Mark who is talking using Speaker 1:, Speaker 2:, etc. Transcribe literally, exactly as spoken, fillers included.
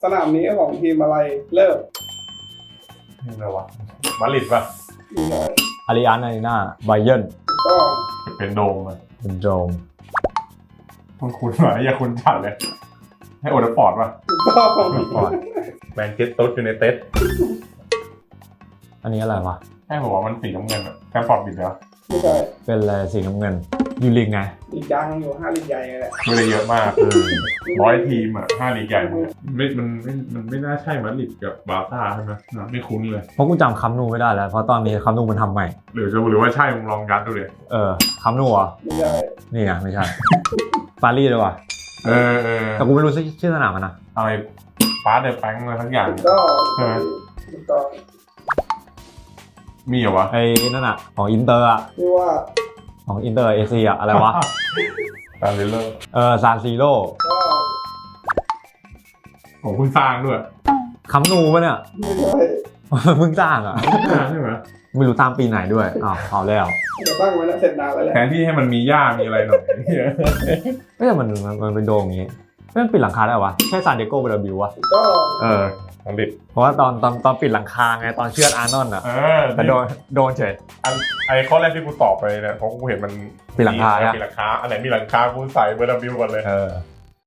Speaker 1: สนามนี้ของทีมอะไรเลิก
Speaker 2: นี่อะไรวะมาดริดป่ะ
Speaker 1: อีกหน่อย
Speaker 3: อาริอันอารีนาไบเยิร์น
Speaker 1: ถูกต้อง
Speaker 2: เป็นโดมอ่ะ
Speaker 3: เป็นโจม
Speaker 2: คุณคุณหน่อยอย่าคุณจัดเลย ให้โอเดฟอร์ดป่ะ
Speaker 1: ถูกต้อง
Speaker 3: ฟอร์ด
Speaker 2: แมนเชสเตอร์ยูไนเต็ด
Speaker 3: อันนี้อะไรวะ
Speaker 2: ใช่ผมว่ามันสีน้ำเงินอะแคมฟอร์ดบิดเหรอ
Speaker 1: ไม่ใช่
Speaker 3: เป็นอะไรสีน้ำเงินยูริกไง
Speaker 1: อีกดังอยู่ห้าลีกใหญ่แหละ
Speaker 2: ไม่ได้เยอะมาก
Speaker 3: เออ
Speaker 2: ร้อยทีมอ่ะห้าลีกใหญ่หมดไม่มันไม่มันไม่น่าใช่มาดริดกับบาร์ซ่าใช่ไหมไม่คุ้นเลย
Speaker 3: เพราะกูจำคัมนูไม่ได้แล้ว เพราะตอนนี้คัมนูมันทำใหม่
Speaker 2: หรือจะหรือว่าใช่มึงลองยัดดูเลย
Speaker 3: เออคัมนูเหรอ่ะ
Speaker 1: ไม่ใช่
Speaker 3: นี่ไงไม่ใช่ ปารีสเลยว่ะ
Speaker 2: เออเออ
Speaker 3: แต่กูไม่รู้ชื่อสนามมันนะ
Speaker 2: อะไรฟาสเดอร์แฟงอะไรทั้งอย่าง
Speaker 1: ถูกต้อง
Speaker 2: ใช่ไหม
Speaker 1: ถูกต้อง
Speaker 2: มีเหรอวะ
Speaker 3: ไอ้นั่นอ่ะของอินเตอร์อ่ะ
Speaker 1: ที่ว่า
Speaker 3: ของอินเตอร์เอเชียอะไรวะ
Speaker 2: ตามเลเลอร์
Speaker 3: เออซานซีโร่
Speaker 1: ก็
Speaker 2: ของคุณสร้างด้วย
Speaker 3: คัมนูปะเนี่ย
Speaker 1: ไม่ใช่
Speaker 3: เพิ่งสร้างอ่ะ
Speaker 2: ใช่ไหม
Speaker 3: ไม่รู้สร้างปีไหนด้วยอ้าวเอาแล้ว
Speaker 1: เดี๋ยวตั้งไว้แล้วเสร็จนานแล้วแหละ
Speaker 2: แทนที่ให้มันมีหญ้ามีอะไรหน่อย
Speaker 3: ไม่แต่มันมันมันเป็นโดมอย่างงี้ไม่มันปิดหลังคาได้วะใช่ซานดิเอโกเบอร์บิววะ
Speaker 1: ถูกต้อง
Speaker 3: เออ
Speaker 2: อังกฤษ
Speaker 3: เพราะว่าตอนตอนตอนปิดหลังคาไงตอนเชือดอาร์นอนอ่ะ
Speaker 2: เออ
Speaker 3: แต่โดนโดนเฉย
Speaker 2: อันไอ้ข้อแรกที่กูตอบไปเนี่ยเพราะกูเห็นมัน
Speaker 3: มีหลังคาอะ
Speaker 2: มีหลังคาอันไหนมีหลังคากูใส่เบอร์ดับบิวก่อนเลย
Speaker 3: เออ